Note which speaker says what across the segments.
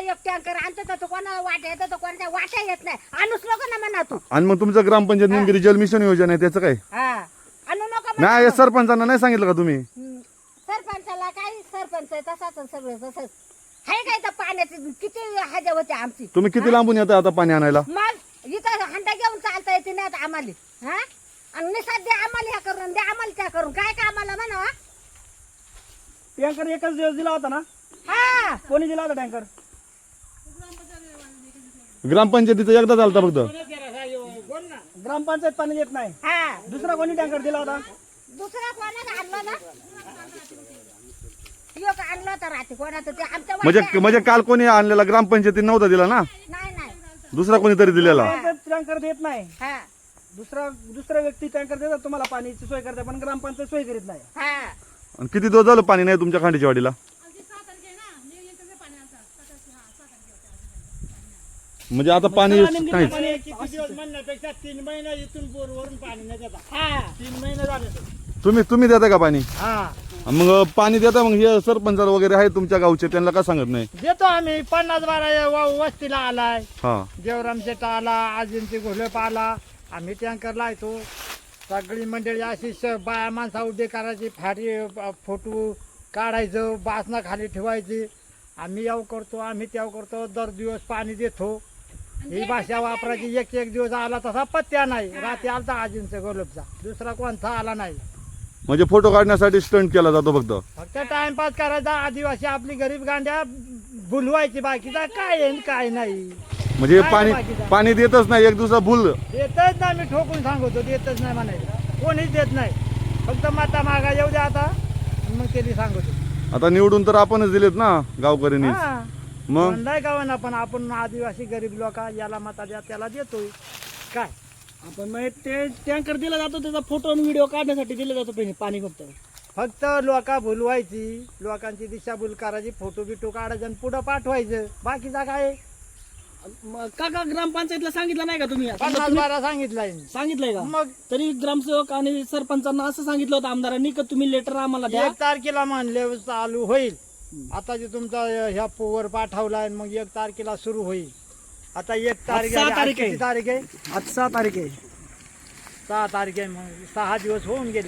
Speaker 1: एक टँकर आणतो तर कोणाला वाटा येतो तर कोणाच्या वाटा येत नाही. आणूच नको ना म्हणा तू.
Speaker 2: आणि मग तुमचं ग्रामपंचायत निमगिरी जल मिशन योजना आहे त्याचं काय?
Speaker 1: हा आणू नको
Speaker 2: नाही
Speaker 1: म्हणा.
Speaker 2: सरपंचांना नाही सांगितलं का तुम्ही?
Speaker 1: सरपंचाला काही सरपंच आहे तसाच सगळं तसंच आहे. काय तर पाण्याची किती हजा होते आमची.
Speaker 2: तुम्ही किती लांबून येता आता पाणी आणायला?
Speaker 1: मग इथं हंडा घेऊन चालता येते नाही आता आम्हाला. हा आणि निसाद द्या आम्हाला ह्या करून द्या आम्हाला त्या करून काय का आम्हाला म्हणा.
Speaker 3: टँकर एकच दिवस दिला होता ना?
Speaker 1: हा
Speaker 3: कोणी दिला होता टँकर?
Speaker 2: ग्रामपंचायतीचं एकदा चालता फक्त.
Speaker 3: ग्रामपंचायत पाणी देत नाही.
Speaker 1: हा
Speaker 3: दुसरा कोणी टँकर दिला होता?
Speaker 1: दुसरा कोणाला आणलं ना एक आणलं होतं रात्री कोणाचं ते आमच्या
Speaker 2: म्हणजे काल कोणी आणलेला ग्रामपंचायतीने नव्हता दिला ना?
Speaker 1: नाही
Speaker 2: दुसरा कोणीतरी दिलेला.
Speaker 3: टँकर देत नाही.
Speaker 1: हा
Speaker 3: दुसरा व्यक्ती टँकर देतात तुम्हाला पाणीची सोय करते पण ग्रामपंचायत सोय करीत नाही.
Speaker 1: हा
Speaker 2: आणि किती दिवस झालं पाणी नाही तुमच्या खांडीच्या वाडीला? म्हणजे आता पाणी काहीच.
Speaker 3: म्हणण्यापेक्षा 3 महिने इथून बोरवरून पाणी नाही देतात. 3 महिने झाले.
Speaker 2: तुम्ही देता का पाणी?
Speaker 3: हा
Speaker 2: मग पाणी देता मग हे सरपंच वगैरे आहे तुमच्या गावचे त्यांना का सांगत नाही?
Speaker 3: देतो आम्ही. 50-12 वस्तीला आलाय.
Speaker 2: हा
Speaker 3: देवराम शेट आला, आजींची घोलप आला. आम्ही टँकर लायतो. सगळी मंडळी अशी बाया माणसा उभे करायची, फाटी फोटो काढायचं, बासना खाली ठेवायची. आम्ही याव करतो, आम्ही त्याव करतो. दर दिवस पाणी देतो. ही भाषा वापरायची. एक दिवस आला तसा पत्त्या नाही. रात्री आलता आजींचा घोलपचा, दुसरा कोणता आला नाही.
Speaker 2: म्हणजे फोटो काढण्यासाठी स्टंट केला जातो
Speaker 3: फक्त टाइमपास करायचा. आदिवासी आपली गरीब गांड्या भुलवायची, बाकीचा काय आहे काय नाही.
Speaker 2: म्हणजे
Speaker 3: काय
Speaker 2: पाणी देतच नाही एक दिवसा भूल.
Speaker 3: देतच नाही. मी ठोकून सांगतो देतच नाही म्हणायचं. कोणीच देत नाही. फक्त माता मागा येऊ द्या आता मग त्यांनी सांगतो.
Speaker 2: आता निवडून तर आपणच दिलेत ना गावकऱ्यांनी.
Speaker 3: हा
Speaker 2: मग
Speaker 3: म्हणलाय गावांना पण आपण आदिवासी गरीब लोक याला मता द्या त्याला देतोय काय. आपण मग ते टँकर दिला जातो त्याचा फोटो आणि व्हिडिओ काढण्यासाठी दिला जातो पाणी फक्त लोका भुलवायची, लोकांची दिशाभूल करायची, फोटो बिटो काढायचं आणि पुढं पाठवायचं. बाकीचा काय
Speaker 4: काका ग्रामपंचायतला सांगितलं नाही का तुम्ही?
Speaker 3: 50-12 सांगितलंय.
Speaker 4: सांगितलंय का?
Speaker 3: मग
Speaker 4: तरी ग्रामसेवक आणि सरपंचांना असं सांगितलं होतं आमदारांनी की तुम्ही लेटर आम्हाला द्या.
Speaker 3: 1 तारखेला म्हणले चालू होईल. आता जे तुमचा ह्या पोवर पाठवलाय मग 1 तारखेला सुरू होईल. आता 1 तारीख
Speaker 4: 6 तारीख आहे.
Speaker 3: किती तारीख आहे?
Speaker 4: आज 6 तारीख आहे.
Speaker 3: 6 तारीख आहे. मग 6 दिवस होऊन गेले.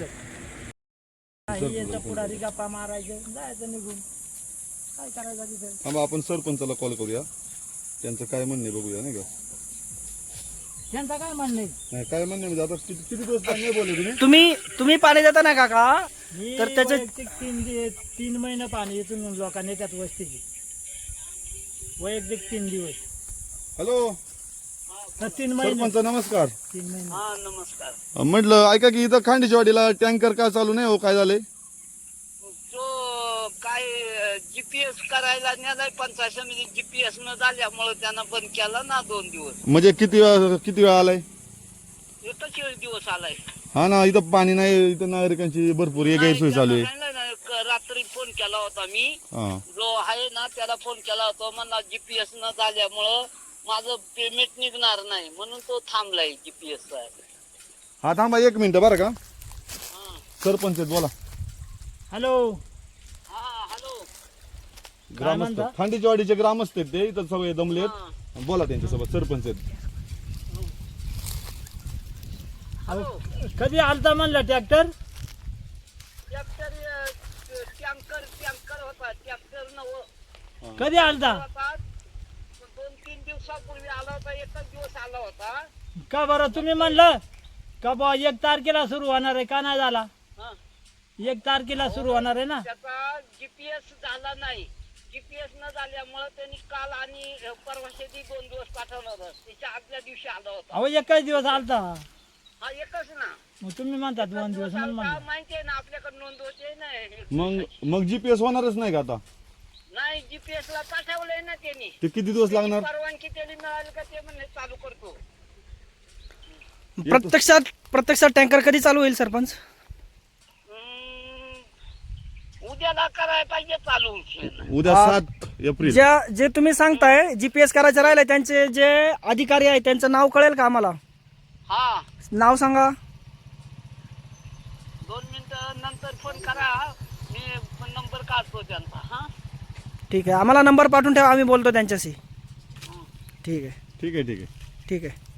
Speaker 3: पुढारी गप्पा मारायचं जायचं निघून. काय करायचं तिथे?
Speaker 2: आपण सरपंचाला कॉल करूया, त्यांचं काय म्हणणे बघूया नाही का.
Speaker 3: त्यांचं काय म्हणणं आहे?
Speaker 2: नाही काय म्हणणे म्हणजे आता किती दिवस पाणी नाही बोलले तुम्ही?
Speaker 4: तुम्ही पाणी देता ना काका? तर त्याचे
Speaker 3: 3 महिने पाणी इथून लोकांनी त्यात वस्तीची वैयक्तिक 3 दिवस.
Speaker 2: हॅलो
Speaker 3: 3 महिने
Speaker 2: सरपंच नमस्कार.
Speaker 3: 3 महिने.
Speaker 4: नमस्कार.
Speaker 2: म्हटलं ऐका की इथं खांडीच्या वाडीला टँकर का चालू नाही हो, काय झालंय?
Speaker 5: तो काय जीपीएस करायला नेलाय पंचायत समिती. जीपीएस न झाल्यामुळे त्यानं बंद केला ना 2 दिवस.
Speaker 2: म्हणजे किती वेळा आलाय?
Speaker 5: एकच दिवस आलाय.
Speaker 2: हा ना, इथं पाणी नाही. इथं नागरिकांची भरपूर गैरसोय चालू आहे.
Speaker 5: नाही, रात्री फोन केला होता मी.
Speaker 2: हा
Speaker 5: जो आहे ना त्याला फोन केला होता. म्हणला जीपीएस न झाल्यामुळं माझं पेमेंट निघणार नाही म्हणून तो थांबलाय जीपीएस.
Speaker 2: हा थांबा 1 मिनिट बरं का. सरपंच आहेत, बोला.
Speaker 3: हॅलो
Speaker 5: हा हॅलो.
Speaker 2: ग्रामस्थ खांडीच्या वाडीचे ग्रामस्थ आहेत ते. इथं सगळे दमलेत. बोला त्यांच्यासोबत. सरपंच आहेत.
Speaker 3: कधी आलता म्हणला ट्रॅक्टर?
Speaker 5: टँकर होता. टँकर नव्हतं.
Speaker 3: कधी आलता?
Speaker 5: 2-3 दिवसापूर्वी आला होता. एकच दिवस आला होता.
Speaker 3: का बरं तुम्ही म्हणलं का बा 1 तारखेला सुरू होणार आहे का नाही झाला?
Speaker 5: हा.
Speaker 3: 1 तारखेला सुरू होणार आहे ना.
Speaker 5: त्याचा जीपीएस झाला नाही. जीपीएस न झाल्यामुळे त्यांनी काल आणि परवाशेची 2 दिवस पाठवलं होतं. त्याच्या आदल्या दिवशी आला होता.
Speaker 3: अहो एकच दिवस आलता.
Speaker 5: हा एकच ना.
Speaker 3: मग तुम्ही म्हणता 2 दिवस म्हणून म्हणलं.
Speaker 5: माहिती आहे ना आपल्याकडे नोंद होते ना.
Speaker 2: मग जीपीएस होणारच नाही का आता?
Speaker 5: नाही जीपीएस ला पाठवलंय ना त्यांनी.
Speaker 2: ते किती दिवस लागणार?
Speaker 5: परवानगी त्यांनी मिळाली का ते म्हणणे चालू करतो.
Speaker 4: प्रत्यक्षात टँकर कधी चालू होईल सरपंच?
Speaker 5: उद्याला करायला पाहिजे चालू.
Speaker 2: उद्या 7 एप्रिल.
Speaker 4: जे तुम्ही सांगताय जीपीएस करायचं राहिलंय त्यांचे जे अधिकारी आहेत त्यांचं नाव कळेल का आम्हाला?
Speaker 5: हा
Speaker 4: नाव सांगा.
Speaker 5: 2 मिनिटं नंतर फोन करा. मी नंबर काढतो त्यांचा. हा
Speaker 4: ठीक आहे, आम्हाला नंबर पाठवून ठेवा, आम्ही बोलतो त्यांच्याशी. ठीक आहे
Speaker 2: ठीक आहे ठीक आहे
Speaker 4: ठीक आहे.